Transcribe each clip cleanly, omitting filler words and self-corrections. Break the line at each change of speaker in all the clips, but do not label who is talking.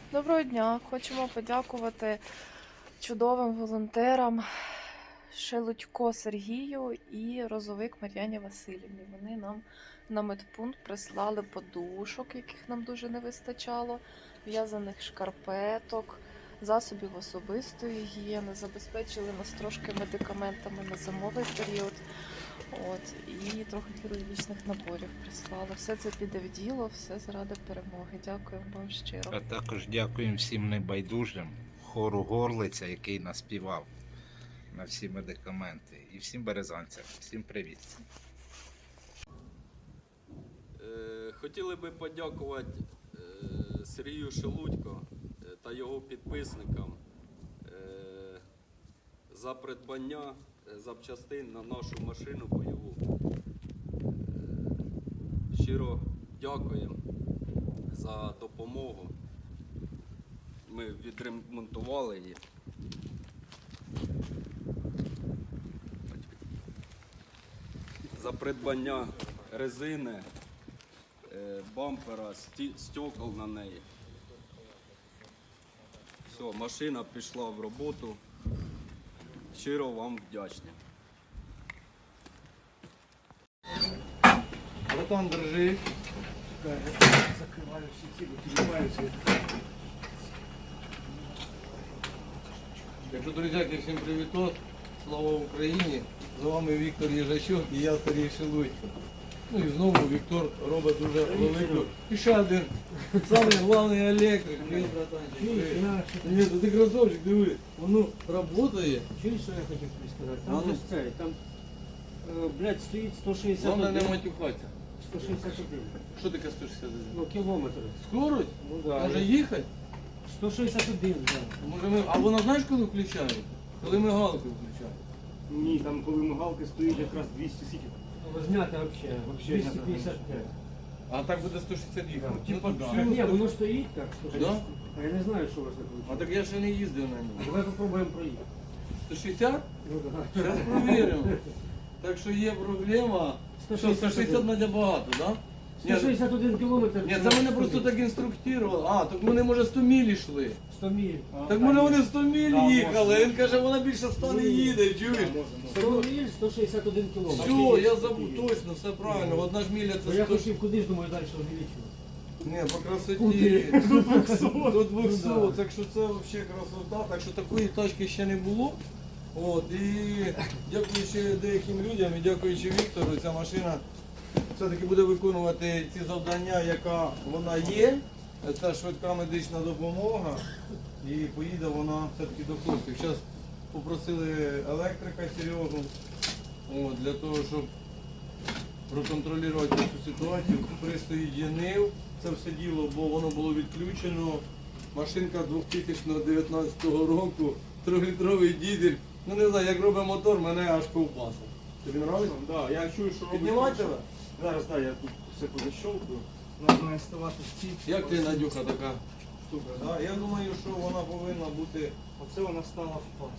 Доброго дня! Хочемо подякувати чудовим волонтерам Шелудько Сергію і Розовик Мар'яні Васильівні. Вони нам на медпункт прислали подушок, яких нам дуже не вистачало, в'язаних шкарпеток, засобів особистої гігієни, забезпечили нас трошки медикаментами на зимовий період. І трохи хірургічних наборів прислали. Все це піде в діло, все заради перемоги. Дякую вам щиро.
А також дякуємо всім небайдужим, хору Горлиця, який наспівав на всі медикаменти. І всім березанцям. Всім привіт.
Хотіли би подякувати Сергію Шелудько та його підписникам за придбання запчастин на нашу машину бойову. Щиро дякуємо за допомогу. Ми відремонтували її. За придбання резини, бампера, стекол на неї. Все, машина пішла в роботу. Щиро вам вдячний.
Братан, держи.
Закриваю всі ці, піднімаються.
Якщо, друзяки, всім привітос. Слава Україні. З вами Віктор Єжачук і я Сергій Шелудько. Ну і знову Віктор робить дуже велику. І ще один. Самий головний електрик. Привіт, братанчик. Привіт, ти красавчик, диви. Воно працює.
Чуєш, що я хотів тобі сказати?
А ну.
Там же цей, там, блядь, стоїть
Головне не
161.
матюхатися.
161.
Що таке 161?
Ну, кілометри.
Скорость?
Ну, да.
Може їхати?
161, так.
Може ми... А вона знаєш, коли включає? Коли мигалку включає.
Ні, там коли мигалки стоїть якраз 200 сітів.
Знято взагалі.
Вообще
255.
А так буде 160 їхати.
Ну,
Типа,
да. Ні, воно стоїть так, 160.
Да?
А я не знаю, що у вас не
А
виходить.
так я ще не їздив на ньому.
Давай попробуємо проїхати.
160?
Ну, да.
Зараз провіримо. Так що є проблема. Що, 160 надя багато, так? Да? Ні,
161 кілометр.
ні, це мене просто так інструктували. А, так вони, може, 100 міль йшли.
100 міль.
Так може вони 100 міль
Да,
їхали.
може.
Він каже, вона більше 100 не їде, чуєш?
100 міль, 161 кілометр.
Все, я забув точно, все правильно. Одна ж міля
Ну,
це
я
100.
хотів куди ж, думаю, далі увеличувати.
Ні, по красоті. До 200, так що це взагалі красота. Так що такої тачки ще не було. От, і дякуючи деяким людям і дякуючи Віктору, ця машина все-таки буде виконувати ці завдання, яка вона є. Це швидка медична допомога. І поїде вона все-таки до хлопців. Зараз попросили електрика Серегу для того, щоб проконтролювати цю ситуацію. Пристрій єнив це все діло, бо воно було відключено. Машинка 2019 року, 3-літровий дізель. Ну не знаю, як робить мотор, мене аж ковбаса. Тобі подобається?
Да, я чую, що робить.
Піднімати тебе?
Зараз, так, я тут все позащовкую. Вона має ставати в ці.
Як ти, Надюха, така штука? Да? Я думаю, що вона повинна бути.
Оце вона стала в пас.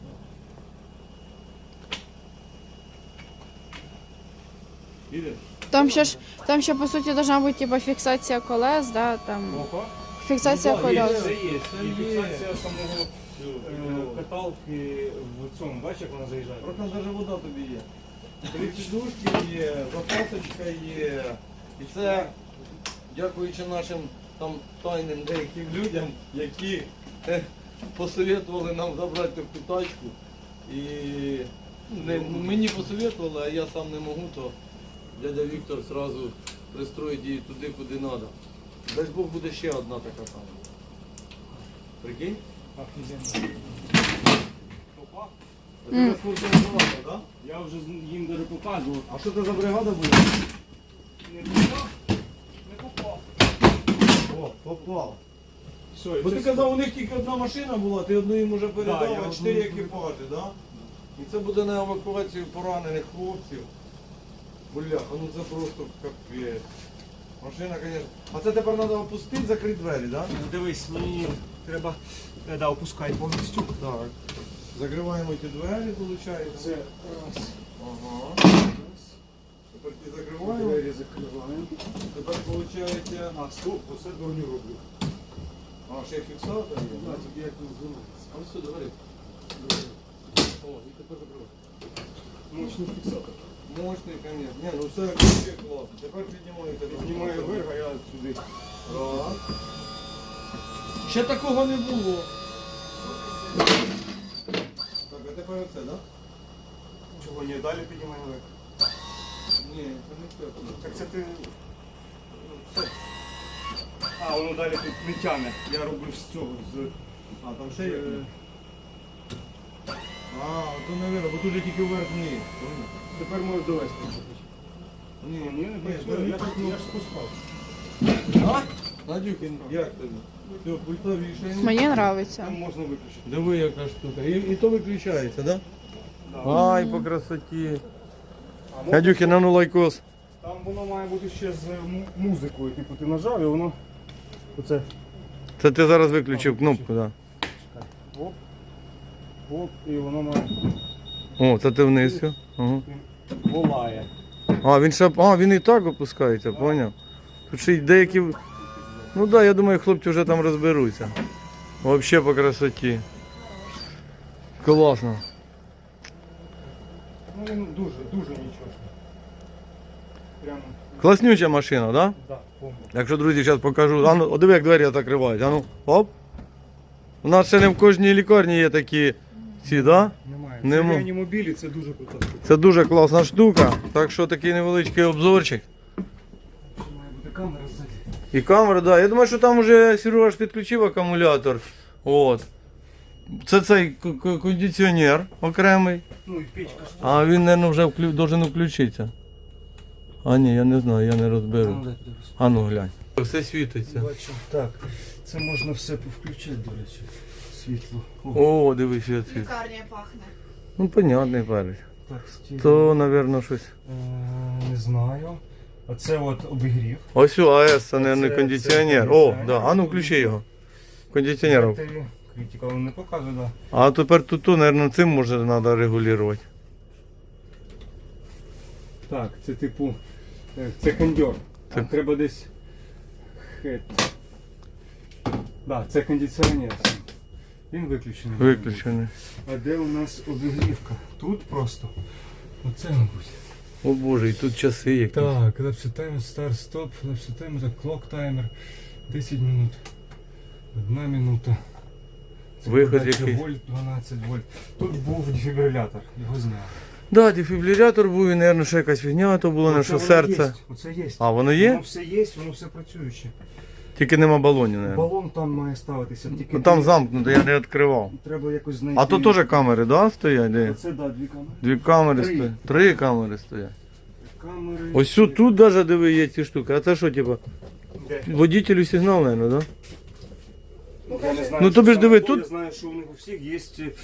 Іде?
Там ще по суті должна бути типа фіксація колес, да, там
Опа.
фіксація
Ну, да, є.
колес.
Це є.
Це
І
є.
фіксація самого каталки в цьому, бачиш, як вона заїжджає?
Просто навіть вода тобі є. Три сідушки є, запасочка є. І це дякуючи нашим там тайним деяким людям, які посоветували нам забрати таку тачку. І мені посоветували, а я сам не можу, то дядя Віктор одразу пристроїть її туди, куди треба. Дасть Бог буде ще одна така сама. Прикинь?
Офігенно. Опа.
А ти розкрутила, так?
Я вже їм даже показував.
А що це за бригада буде?
Не попав. Не попав.
О, попав.
Все,
Бо ти казав, у них тільки одна машина була, ти одну їм вже
Да,
передав,
я
а 4
одну
екіпажі, так? Да? І це буде на евакуацію поранених хлопців. Бляха, ну це просто капець. Машина, звісно. А це тепер треба опустити, закрити двері, так? Да?
Дивись, мені треба опускати повністю.
Так. Закриваємо ті двері, виходить.
Це раз.
Ага. Тепер ті закриваємо.
Двері закриваємо.
Тепер виходить.
А, стоп, оце дурню роблю.
А ще й фіксатор є.
Да, тобі як не знімати.
А ось сюди, говори.
О, і тепер закривай.
Мощний фіксатор.
Мощний, конечно. Ні, ну все вообще класно. Тепер піднімаєте.
Знімаю вверх, а я сюди.
Раз. Ще такого не було. Так, а тепер оце, да?
Чого ні, далі піднімаю вверх.
Ні, це не все.
Так це ти... Це. А, воно далі тут не тяне. Я робив з цього, з...
А, там ще є? А, то не видно, бо тут же тільки вверх вниз.
Тепер можеш довести.
Ні,
Ні, не працює, я ж спускав.
А? Надюхін, як тобі? Все, пультові рішення.
Мені подобається.
Там можна виключити.
Диви, яка штука. І то виключається, да?
Да.
Ай, по красоті. Надюхін, а ну лайкос.
Там воно має бути ще з музикою. Типу ти нажав і воно... Оце.
Це ти зараз виключив кнопку, так.
Оп. Оп, і воно має...
О, це ти вниз. Все. Ага.
Волає.
А, він ще. А, він і так опускається, поняв? Тут ще й деякі. Ну так, да, я думаю, хлопці вже там розберуться. Взагалі по красоті. Класно.
Ну він дуже, дуже нічого. Прямо,
Класнюча машина, так? Да?
да, повністю.
Якщо, друзі, зараз покажу. А ну, о, диви, як двері закривають. А ну, оп. У нас ще не в кожній лікарні є такі ці, да?
Немає.
Нема.
Це реанімобілі, це дуже крута штука.
Це дуже класна штука. Так що такий невеличкий обзорчик.
Має бути камера ззаді.
І камера, да. Я думаю, що там вже Сережа ж підключив акумулятор. От. Це цей кондиціонер окремий.
Ну і печка ж.
А він, мабуть, вже должен включитися. А ні, я не знаю, я не розберу. А ну глянь. Все світиться.
Бачу. Так, це можна все повключати, до речі. Світло.
О, дивись, світ.
Лікарня пахне.
Ну, понятний перець.
Так, стіль.
То, мабуть, щось.
Не знаю. А це от обігрів.
Ось АЕС, це, мабуть,
Це
кондиціонер. О,
кондиціонер.
да. А ну включи його. Кондиціонер.
Критика він не показує, да.
А тепер тут, мабуть, цим може треба регулювати.
Так, це типу, це кондьор.
Це-
Треба десь хет. Да, це кондиціонер. Він виключений.
Виключений.
А де у нас обігрівка? Тут просто. Оце, мабуть.
О Боже, і тут часи якісь.
Так, лепсі таймер, старт, стоп, лепсі таймер, так, клок таймер. 10 минут. 1 минута. Це
Виход
подача
який?
вольт, 12 вольт. Тут був дефібрилятор, його зняли.
Да, дефібрилятор був і, мабуть, ще якась фігня, то було, не що серце.
Оце є.
А, воно є?
Воно все є, воно все працююче.
Тільки нема балонів, мабуть.
Балон там має ставитися, тільки
Ну, там замкнуто, я не відкривав.
треба якось знайти.
А то теж камери, да, стоять? Де?
Оце, да, 2 камери.
2 камери
Три.
стоять. 3 камери стоять.
Камери.
Ось тут навіть диви є ці штуки. А це що, типу,
Де?
водителю сигнал, мабуть, да?
Я не знаю,
Ну,
що
тобі ж
саме
диви,
то,
тут-
Я знаю, що у них у всіх є...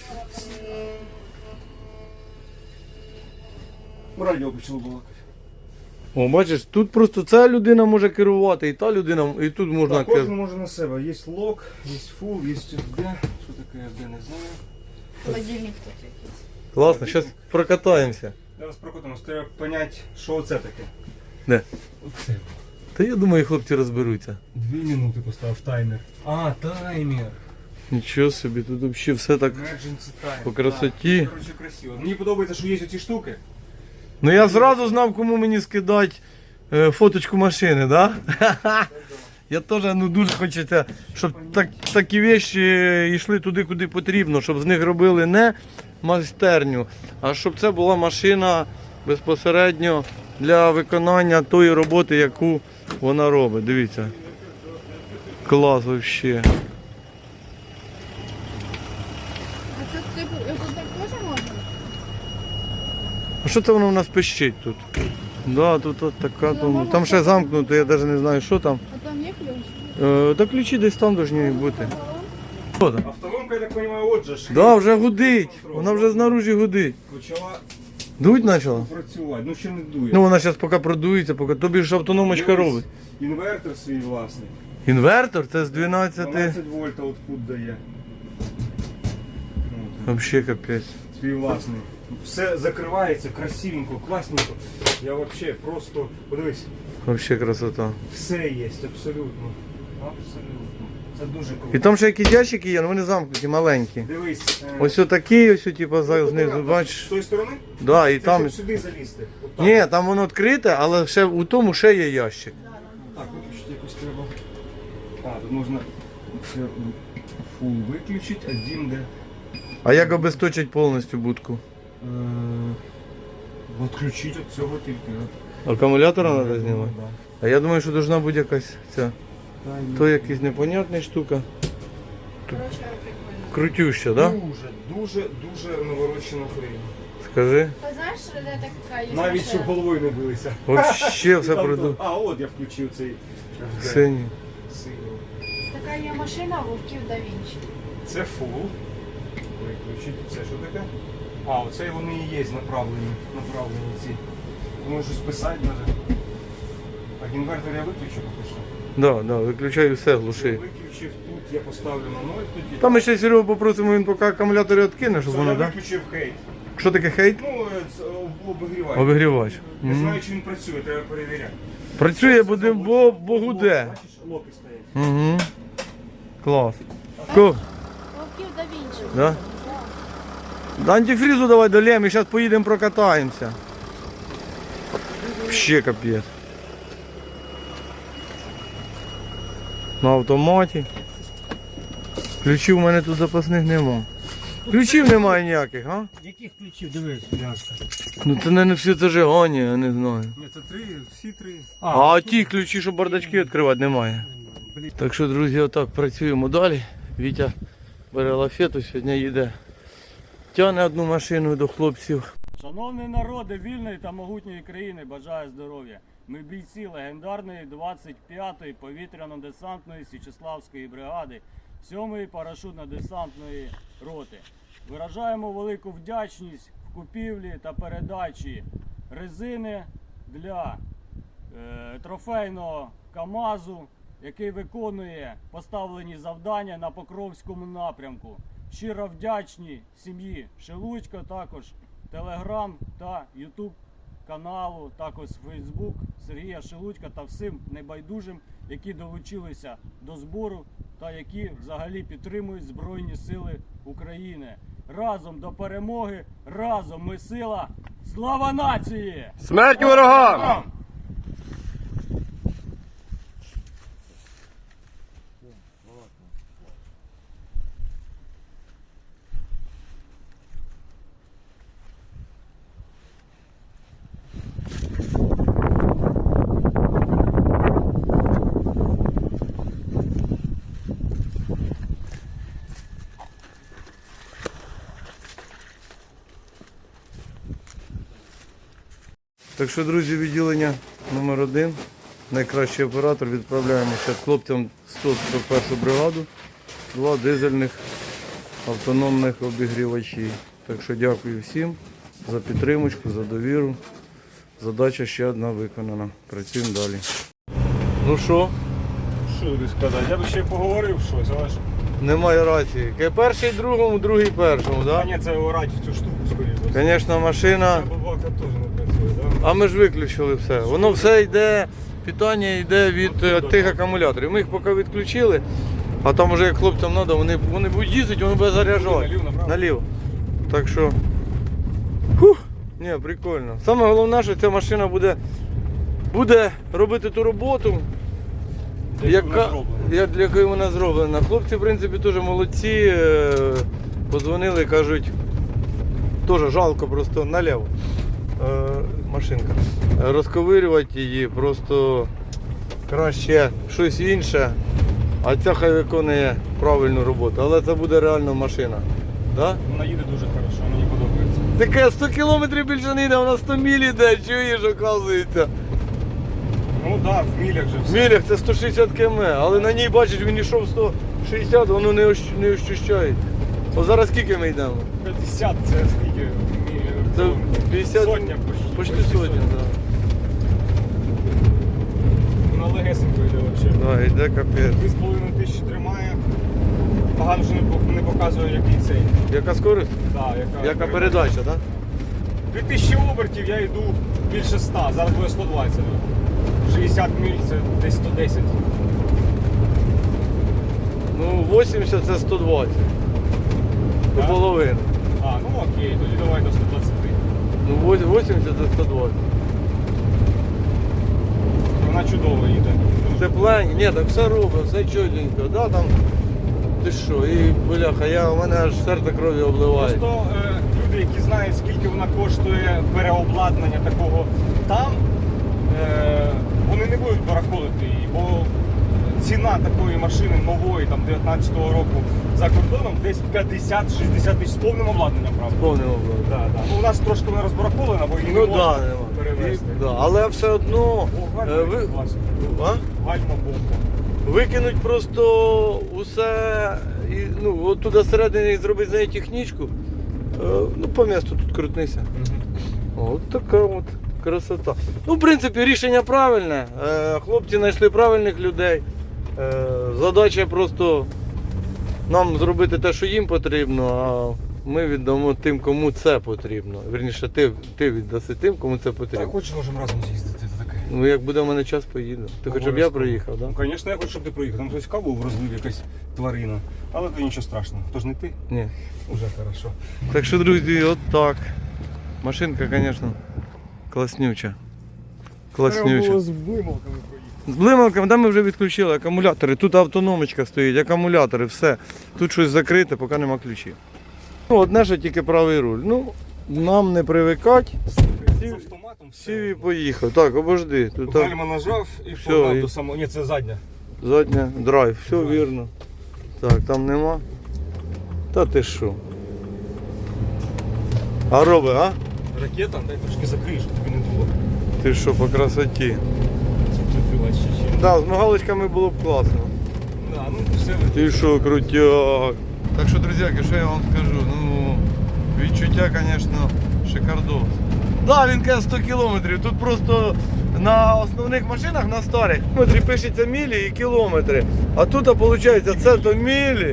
Радіо почало балакати.
О, бачиш, тут просто ця людина може керувати, і та людина, і тут можна
Так, кожен
керувати.
може на себе. Є лок, є фул, є FD. Що таке FD, не знаю.
Холодильник тут якийсь.
Класно, зараз прокатаємося.
Зараз прокотимось, треба поняти, що це таке.
Де?
Оце.
Та я думаю, хлопці розберуться.
2 минути поставив таймер. А, таймер.
Нічого собі, тут взагалі все так.
Emergency timer.
По красоті.
Так, коротше, красиво. Мені подобається, що є оці штуки.
Ну я зразу знав, кому мені скидати фоточку машини, да? Я теж дуже хочеться, щоб такі речі йшли туди, куди потрібно, щоб з них робили не майстерню, а щоб це була машина безпосередньо для виконання тої роботи, яку вона робить. Дивіться. Клас взагалі.
А це типу, тут так теж можна?
А що це воно в нас пищить тут? Да, тут от така, там ще замкнуто, я навіть не знаю, що там.
А там є ключ?
Та ключі десь там повинні бути. Що там?
Автономка, я так розумію, отже ж.
Да, вже гудить. Вона вже знаружі гудить.
Почала
Дуть почала?
працювати, ну ще не дує.
Ну вона зараз поки продується, поки тобі ж автономочка робить.
Інвертор свій власний.
Інвертор це з 12.
12 вольт output дає. От,
Взагалі капець.
свій власний. Все закривається красивенько, класненько. Я взагалі просто, подивись,
Взагалі красота.
все є, абсолютно. Абсолютно. Це дуже круто.
І там ще якісь ящики є, але вони замкнуті, маленькі.
Дивись.
Ось отакий, ось типу, знизу,
З
бачиш?
тої сторони?
Да, і
Це
там.
щоб сюди залізти. Отак.
Ні, там воно відкрите, але ще у тому ще є ящик.
Так, виключити якось треба. А, тут можна це фул виключити, а дім де.
А як обесточить повністю будку?
Відключити від цього тільки.
Акумулятора треба знімати?
Да.
А я думаю, що должна бути якась ця.
Та ні.
То якась непонятна штука.
Коротше, прикольно.
Крутюща, да?
Дуже наворочена хрень.
Скажи.
Ти знаєш, де така є
Навіть щоб головою не билися.
Вообще все
Там
придумав.
А, от я включив цей
Синій.
синій.
Така є машина Вовків да Вінчі.
Це фул. Виключити. Це що таке? А, оце вони і є направлені ці. Думаю, щось писати навіть. А інвертор я виключу поки що.
Да, виключаю все, глуши.
Виключив тут, я поставлю на 0 тоді.
Там ми ще Серегу попросимо, він поки акумулятори відкине, щоб
Це
воно,
я
да?
виключив хейт.
Що таке хейт?
Ну, це обігрівач.
Обігрівач.
Не
Мгм.
знаю, чи він працює, треба перевіряти.
Працює, буде, бо гуде.
Бачиш, локи стоять.
Угу. Клас. Ко?
Вовків да Вінчі.
Да? Да антифризу давай долем, і зараз поїдемо прокатаємося. Ще капець. На автоматі. Ключів у мене тут запасних нема. Ключів немає ніяких, а?
Яких ключів? Дивись, пляшка.
Ну це не всі зажигання, я не знаю.
Ні, це 3, всі 3.
А ті ключі, щоб бардачки відкривати, немає. Так що, друзі, отак працюємо далі. Вітя бере лафету, сьогодні їде. Тягне одну машину до хлопців.
Шановні народи вільної та могутньої країни, бажаю здоров'я. Ми бійці легендарної 25-ї повітряно-десантної Січеславської бригади, 7-ї парашютно-десантної роти. Виражаємо велику вдячність в купівлі та передачі резини для трофейного КАМАЗу, який виконує поставлені завдання на Покровському напрямку. Щиро вдячні сім'ї Шелудько, також Телеграм та Ютуб каналу, також Фейсбук Сергія Шелудька та всім небайдужим, які долучилися до збору та які взагалі підтримують Збройні Сили України. Разом до перемоги, разом ми сила! Слава нації!
Смерть ворогам! Так що, друзі, відділення номер 1, найкращий оператор, відправляємо ще хлопцям 141 бригаду, 2 дизельних автономних обігрівачі. Так що дякую всім за підтримку, за довіру. Задача ще одна виконана. Працюємо далі. Ну що,
Що тобі сказати? Я б ще поговорив щось, але ж...
немає рації. Перший другому, другий першому,
А
так?
ні, це орать в цю штуку, скоріше.
Звісно, машина.
Ця бабака теж не працює, так?
А ми ж виключили все. Воно все йде, питання йде від тих акумуляторів. Ми їх поки відключили, а там вже як хлопцям треба, вони будуть їздити, вони будуть заряджати.
Наліво, направо?
Наліво. Так що. Фух, ні, прикольно. Саме головне, що ця машина буде робити ту роботу, для якої вона зроблена. Хлопці, в принципі, теж молодці. Подзвонили, кажуть, теж жалко просто наліво. Машинка. Розковирювати її, просто краще щось інше, а ця хай виконує правильну роботу. Але це буде реально машина. Да?
Вона їде дуже хорошо, мені подобається.
Таке 100 кілометрів більше не йде, вона 100 міль йде, чуєш, оказується.
Ну так, в мілях же
В
все.
мілях це 160 км, але на ній, бачиш, він йшов 160, воно не ощущає. О, зараз скільки ми йдемо?
50, це скільки?
Це 50,
Сотня
почти сотня, так.
Вона легесенько йде взагалі.
Да, йде капець.
2,5 тисячі тримає. Погано вже не показує, який цей.
Яка скорість?
Да,
Яка передача, так?
2000 обертів я йду більше 100, зараз буде 120. 60 міль це десь 110.
Ну, 80 це 120. До
Так?
половини.
А, ну окей, тоді давай до 120.
Ну, 80 це 120.
Вона чудово їде.
Тепленько, ні, так все робить, все чотенько, да, там, ти що, і бляха, у мене аж серце кров'ю обливає.
Просто люди, які знають, скільки вона коштує переобладнання такого там, вони не будуть барахолити її, бо ціна такої машини нової, там 19-го року за кордоном десь 50-60 тисяч з повним обладнанням, правда?
Повним обладнанням.
Да, да. Ну, у нас трошки вона розбарахолена, бо її
Ну
не
так,
можна
да, нема.
перевезти.
Да, але все одно
О, гальма
ви-
класна.
а?
Гальма бомба.
викинуть просто усе, і, ну, от туди всередині зробити з неї технічку, ну, по місту тут крутнися. От така от красота. Ну, в принципі, рішення правильне. Хлопці знайшли правильних людей. Задача просто нам зробити те, що їм потрібно, а ми віддамо тим, кому це потрібно. Вірніше, ти віддаси тим, кому це
Так,
потрібно.
хочеш, можемо разом з'їздити, це таке.
Ну, як буде в мене час, поїду. Ти хочеш, щоб я приїхав, так?
Ну, звісно, я хочу, щоб ти приїхав. Там хтось каву розлив, якась тварина. Але це нічого страшного. Хто ж не ти?
Ні.
Уже хорошо.
Так що, друзі, от так. Машинка, звісно, класнюча. Класнюча.
з вимовками проїхати.
З блималками, там ми вже відключили акумулятори. Тут автономочка стоїть, акумулятори, все. Тут щось закрите, поки нема ключів. Ну, одне, що тільки правий руль. Ну, нам не привикати.
З автоматом
Сів і
все.
поїхав. Так, обожди. Тут так,
Гальма нажав і
Все,
погнав
і-
до самого. Ні, це задня.
задня, драйв, все
Драйв.
вірно. Так, там нема. Та ти що? А роби, а?
Ракета, дай трошки закрий, щоб тобі не було.
Ти що, по красоті?
Це прикривати ще чим.
Так, з мигалочками було б класно.
Да, ну все
Ти що, крутяк. Так що, друзяки, що я вам скажу? Ну, відчуття, звісно, шикардос. Так, він каже 100 кілометрів. Тут просто на основних машинах, на старих, пишеться мілі і кілометри. А тут, виходить, це то мілі.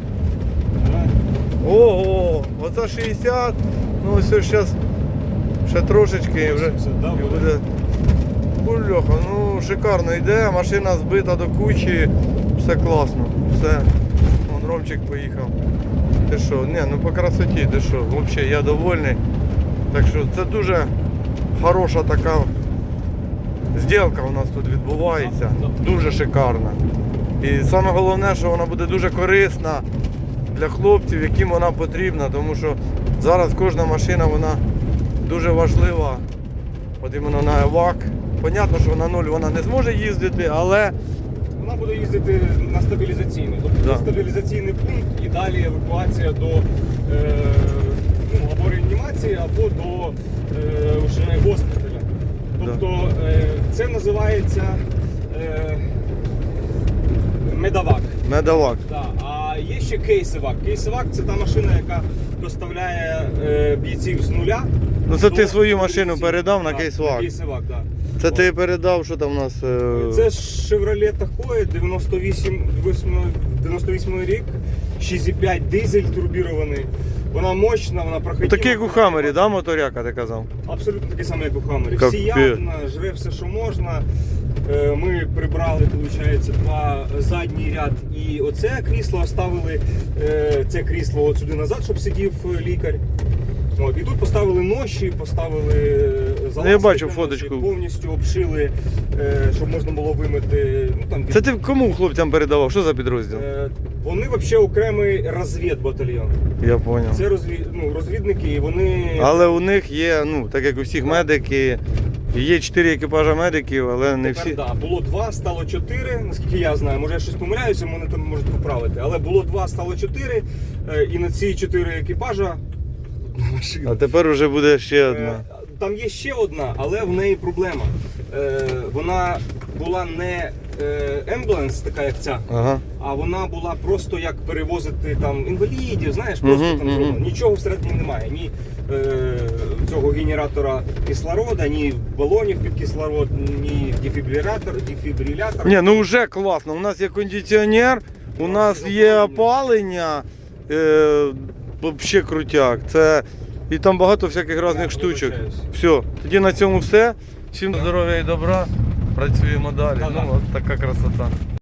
Ого, оце 60. Ну, ось зараз ще трошечки і вже. І буде. Бульоха, ну шикарно йде, машина збита до кучі, все класно, все. Вон Ромчик поїхав. Ти що, ні, ну по красоті, ти що, взагалі я довольний. Так що це дуже хороша така зділка у нас тут відбувається, дуже шикарна. І саме головне, що вона буде дуже корисна для хлопців, яким вона потрібна, тому що зараз кожна машина вона дуже важлива. От іменно на ЕВАК. Понятно, що на нуль вона не зможе їздити, але
Вона буде їздити на стабілізаційний. Тобто
Да.
на стабілізаційний пункт і далі евакуація до ну, або реанімації, або до вже госпіталя. Тобто це називається медавак.
медавак.
Да. А є ще кейсевак. Кейсевак це та машина, яка доставляє бійців з нуля.
Ну це
до
ти свою машину
стабілізаційного.
передав на
Да,
кейсвак.
Кейсевак, так. Да.
Це ти передав, що там у нас.
Це ж Chevrolet Tahoe 98 рік, 6,5 дизель турбірований. Вона мощна, вона проходила.
Такий як у Хаммері, да, моторяка, ти казав?
Абсолютно такий самий, як у Хаммері.
Капець.
Всіядна, жре все, що можна. Ми прибрали, виходить, два задній ряд і оце крісло оставили це крісло от сюди назад, щоб сидів лікар. От, і тут поставили ноші, поставили залазки
Я бачу
для
фоточку.
ноші, повністю обшили, щоб можна було вимити. Ну, там,
Це ти кому хлопцям передавав? Що за підрозділ?
Вони взагалі окремий розвідбатальйон.
Я зрозумів.
Це розвідники, і вони.
Але у них є, ну, так як у всіх медики, є 4 екіпажа медиків, але не
Тепер,
всі.
да, було 2, стало 4, наскільки я знаю. Може я щось помиляюся, мене там можуть поправити. Але було 2, стало 4, і на ці 4 екіпажа одна машина.
А тепер вже буде ще одна.
Там є ще одна, але в неї проблема. Вона була не ембуленс, така як ця,
Ага.
а вона була просто як перевозити там інвалідів, знаєш, просто
Мгм,
там
мгм.
зроблено. Нічого всередині немає. Ні цього генератора кислорода, ні балонів під кислород, ні дефібрилятор.
Ні, ну вже класно. У нас є кондиціонер, у нас є опалення. Взагалі крутяк. Це... І там багато всяких різних штучок.
вибачаюсь.
Все, тоді на цьому все. Всім здоров'я і добра. Працюємо далі.
Да-да.
Ну, от така красота.